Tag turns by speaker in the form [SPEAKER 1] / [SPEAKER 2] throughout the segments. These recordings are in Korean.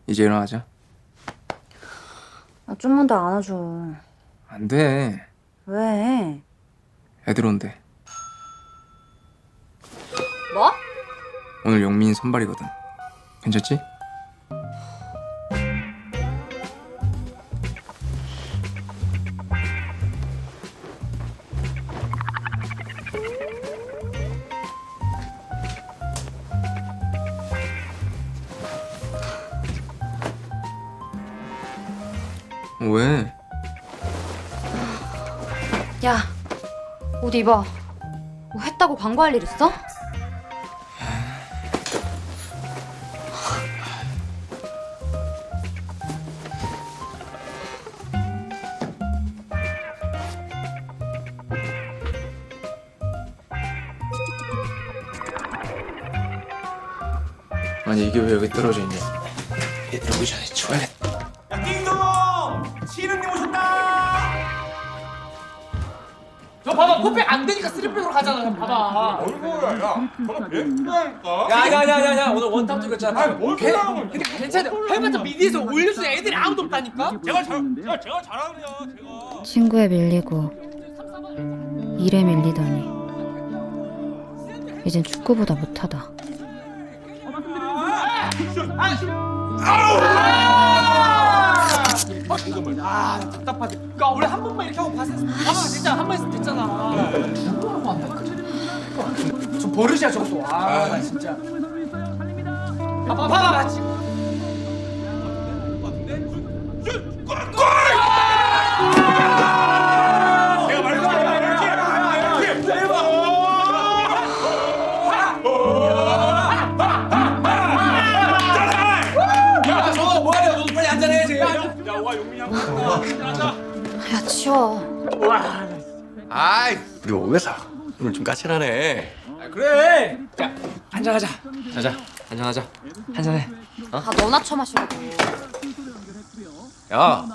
[SPEAKER 1] 이제 일어나자.
[SPEAKER 2] 아, 좀만 더 안아줘.
[SPEAKER 1] 안 돼.
[SPEAKER 2] 왜?
[SPEAKER 1] 애들 온대.
[SPEAKER 2] 뭐?
[SPEAKER 1] 오늘 용민 선발이거든. 괜찮지? 왜?
[SPEAKER 2] 야, 옷 입어. 뭐 했다고 광고할 일 있어?
[SPEAKER 1] 아니 이게 왜 여기 떨어져 있냐? 얘들 오기 전에 치워야겠다.
[SPEAKER 3] 야, 띵동! 시인님 오셨다!
[SPEAKER 4] 저 봐봐, 포백 안 되니까 쓰리백으로 가잖아. 봐봐.
[SPEAKER 3] 어이구야, 야, 저거 배트라니까?
[SPEAKER 4] 야야야야야, 오늘 원탑 찍었잖아.
[SPEAKER 3] 아니, 뭘 그러는 거야?
[SPEAKER 4] 근데 괜찮아. 해봤자 미디에서 올려주는 애들이 아무도 없다니까.
[SPEAKER 3] 제가 잘하거든요, 제가.
[SPEAKER 2] 친구에 밀리고 일에 밀리더니 이젠 축구보다 못하다.
[SPEAKER 4] 아, 답답하게. 그러니까 원래 한 번만 이렇게 하고 봤어. 진짜 한 번 했으면 됐잖아. 저 버릇이야 저것도. 아, 나 진짜. 봐봐.
[SPEAKER 3] 내가 말했잖아, 이렇게!
[SPEAKER 4] 야, 저거 뭐하냐? 너도 빨리 한잔해야지.
[SPEAKER 3] 야, 와, 용민이 한 번.
[SPEAKER 2] 야, 치워.
[SPEAKER 5] 아이, 우리 오면서 오늘 좀 까칠하네.
[SPEAKER 4] 그래. 자, 한잔하자.
[SPEAKER 5] 자자, 한잔하자. 한잔해.
[SPEAKER 2] 다 너나 처마시라고.
[SPEAKER 5] 야.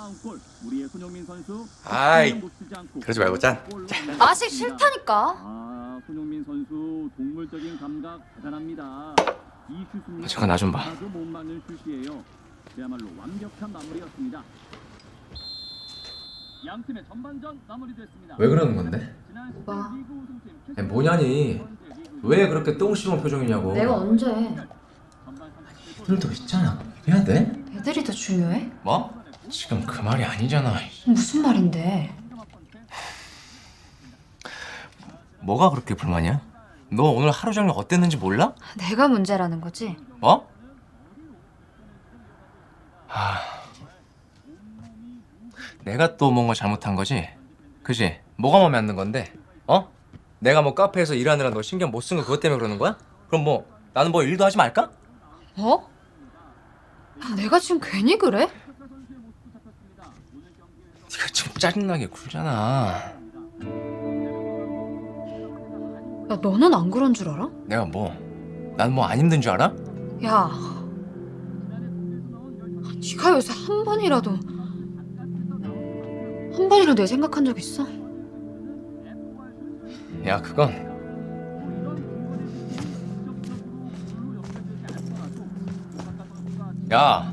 [SPEAKER 5] 아이, 그러지 말고 짠.
[SPEAKER 2] 마시기 싫다니까.
[SPEAKER 6] 손흥민 선수 동물적인 감각 대단합니다. 이 슛은
[SPEAKER 5] 잠깐 나 좀 봐.
[SPEAKER 6] 아주 못 막는 슛이에요. 그야말로 완벽한 마무리였습니다. 양 팀의 전반전 마무리됐습니다.
[SPEAKER 5] 왜 그러는 건데?
[SPEAKER 2] 뭐가?
[SPEAKER 5] 아니, 뭐냐니? 왜 그렇게 똥 씹은 표정이냐고.
[SPEAKER 2] 내가 언제?
[SPEAKER 5] 애들도 있잖아. 해야 돼?
[SPEAKER 2] 애들이 더 중요해?
[SPEAKER 5] 뭐? 지금 그 말이 아니잖아.
[SPEAKER 2] 무슨 말인데?
[SPEAKER 5] 뭐가 그렇게 불만이야? 너 오늘 하루 종일 어땠는지 몰라?
[SPEAKER 2] 내가 문제라는 거지?
[SPEAKER 5] 뭐? 내가 또 뭔가 잘못한 거지? 그지? 뭐가 마음에 안 드는 건데? 어? 내가 뭐 카페에서 일하느라 너 신경 못 쓴 거 그것 때문에 그러는 거야? 그럼 뭐 나는 뭐 일도 하지 말까?
[SPEAKER 2] 뭐? 내가 지금 괜히 그래?
[SPEAKER 5] 네가 지금 짜증나게 굴잖아.
[SPEAKER 2] 야, 너는 안 그런 줄 알아?
[SPEAKER 5] 내가 뭐? 난 뭐 안 힘든 줄 알아?
[SPEAKER 2] 야, 네가 요새 한 번이라도 내 생각한 적 있어?
[SPEAKER 5] 야 그건 야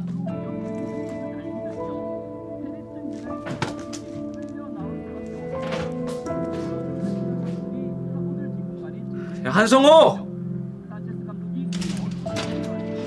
[SPEAKER 4] 야, 한성호.